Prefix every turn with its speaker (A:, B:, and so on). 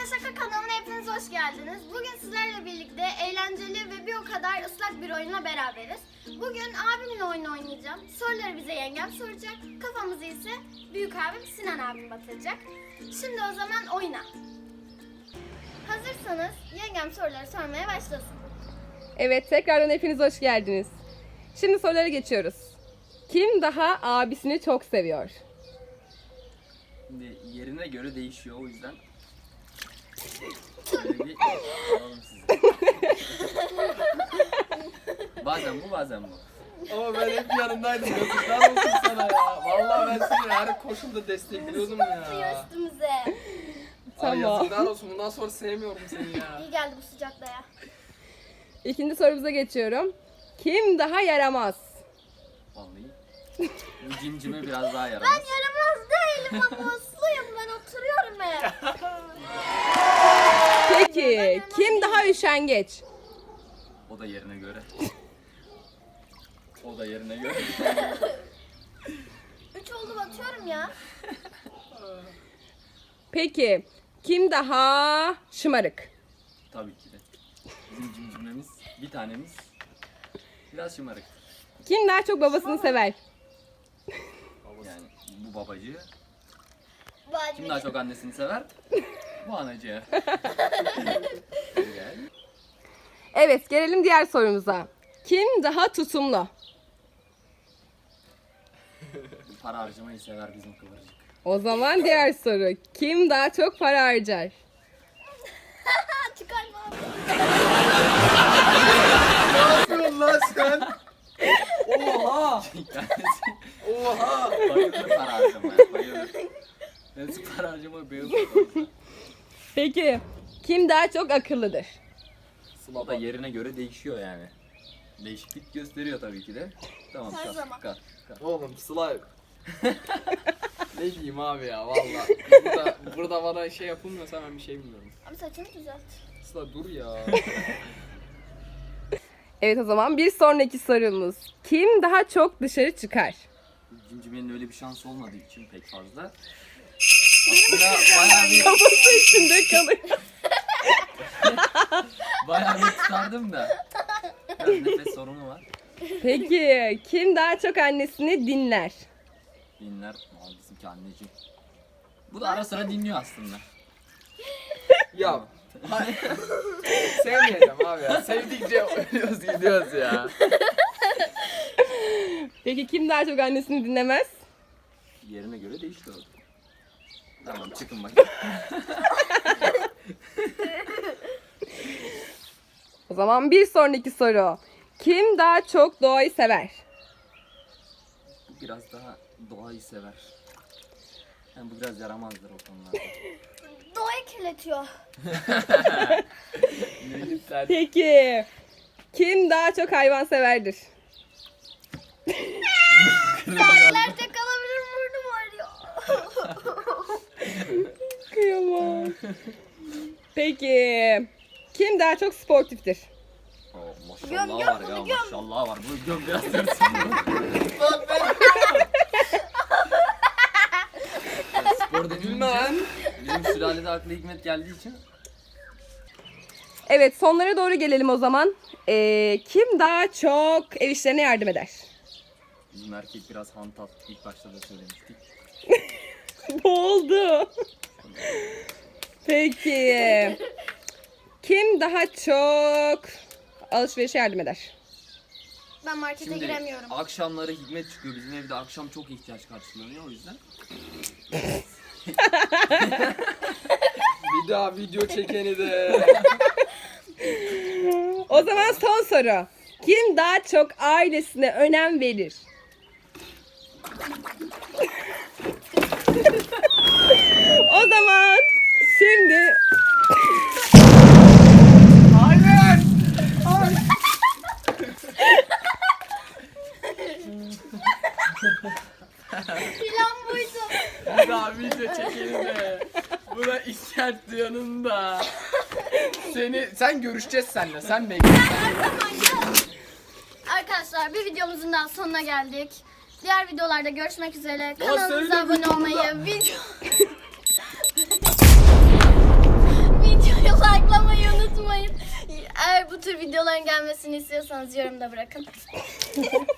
A: Şaka kanalına hepiniz hoş geldiniz. Bugün sizlerle birlikte eğlenceli ve bir o kadar ıslak bir oyunla beraberiz. Bugün abimin oyunu oynayacağım. Soruları bize yengem soracak. Kafamızı ise büyük abim Sinan abim batıracak. Şimdi o zaman oyuna. Hazırsanız yengem soruları sormaya başlasın.
B: Evet, tekrardan hepiniz hoş geldiniz. Şimdi sorulara geçiyoruz. Kim daha abisini çok seviyor?
C: Şimdi yerine göre değişiyor o yüzden. Böyle bir alalım sizi. Bazen bu bazen bu.
D: Ama ben hep yanındaydım. Yazıklar olsun sana ya. Vallahi ben seni her koşulda destekliyordum
A: Atıyor
D: ya.
A: üstümüze.
D: Ay
B: Tamam.
D: yazıklar olsun. Bundan sonra sevmiyorum seni ya.
A: İyi geldi bu sıcakta ya.
B: İkinci sorumuza geçiyorum. Kim daha yaramaz?
C: Vallahi. Bu cimcime biraz daha
A: Ben
C: yaramaz.
A: yaramaz değilim ama usluyum, ben oturuyorum hep.
B: Peki, kim daha üşengeç?
C: O da yerine göre. O da yerine göre.
A: 3 oldu, batıyorum ya.
B: Peki, kim daha şımarık?
C: Tabii ki de. Bizim cimcimemiz bir tanemiz biraz şımarık.
B: Kim daha çok babasını sever?
C: Yani bu babacı.
A: Bu anne.
C: Kim daha çok annesini sever? Bu anacı. Güzel.
B: Evet, gelelim diğer sorumuza. Kim daha tutumlu?
C: Para harcamayı sever bizim kıvırcık.
B: O zaman diğer soru. Kim daha çok para harcar?
A: Çıkarma abi.
D: Ne yapıyorsun lan sen? Oha!
C: Kendisi
D: Oha!
C: bayılır para harcamaya. Bayılır. Kendisi para harcamayı bayılır.
B: Peki, kim daha çok akıllıdır?
C: O da yerine göre değişiyor yani. Değişiklik gösteriyor tabii ki de. Tamam,
A: Her
C: kalk,
A: zaman.
C: kalk, kalk.
D: Oğlum slime. Ne diyeyim abi ya valla. Burada bana şey yapılmıyorsa ben bir şey bilmiyorum.
A: Abi saçını düzelt.
D: Sıla dur ya.
B: Evet, o zaman bir sonraki sorumuz. Kim daha çok dışarı çıkar?
C: Cimcimenin öyle bir şansı olmadığı için pek fazla. Aslında
B: Kafası içinde kalıyor.
C: bayağı bir tutardım da. Biraz nefes sorunu var.
B: Peki, kim daha çok annesini dinler?
C: Dinler, bizimki anneciğim. Bu da ara sıra dinliyor aslında.
D: Ya. Sevmeyeceğim abi ya. Sevdikçe ölüyoruz gidiyoruz ya.
B: Peki kim daha çok annesini dinlemez?
C: Yerine göre değişiyor. Tamam, çıkın bakayım.
B: O zaman bir sonraki soru. Kim daha çok doğayı sever?
C: Bu biraz daha doğayı sever. Yani bu biraz yaramazdır o konularda.
A: Doğayı kirletiyor.
D: Melihler.
B: Peki, kim daha çok hayvan severdir?
A: Nerede kalabilir, burnum ağrıyor.
B: Kıyamam. Peki, kim daha çok sportiftir?
C: Oo,
A: Göm,
C: maşallah
A: göm
C: var
A: bunu,
C: ya,
A: göm.
C: maşallah var. Bu göm biraz tırsın. Spor dediğim
D: Lan.
C: bizim sülalede aklı hikmet geldiği için
B: Evet, sonlara doğru gelelim o zaman. Kim daha çok ev işlerine yardım eder?
C: bizim erkek biraz hantal. İlk başta da söylemiştik.
B: Boğuldu. Peki, kim daha çok alışverişe yardım eder?
A: Ben markete
C: Şimdi
A: giremiyorum.
C: akşamları hikmet çıkıyor. Bizim evde akşam çok ihtiyaç karşılanıyor o yüzden.
D: Bir daha video çekeni de.
B: O zaman son soru. Kim daha çok ailesine önem verir? O zaman şimdi
D: Hayır!
A: Plan buydu.
D: Bir daha video çekeni de. Buna işaret yanında. Sen görüşeceğiz seninle. Sen bekle.
A: Arkadaşlar bir videomuzun daha sonuna geldik. Diğer videolarda görüşmek üzere.
D: söyle
A: Kanalımıza abone
D: videoda.
A: olmayı, tür videoların gelmesini istiyorsanız yorumda bırakın.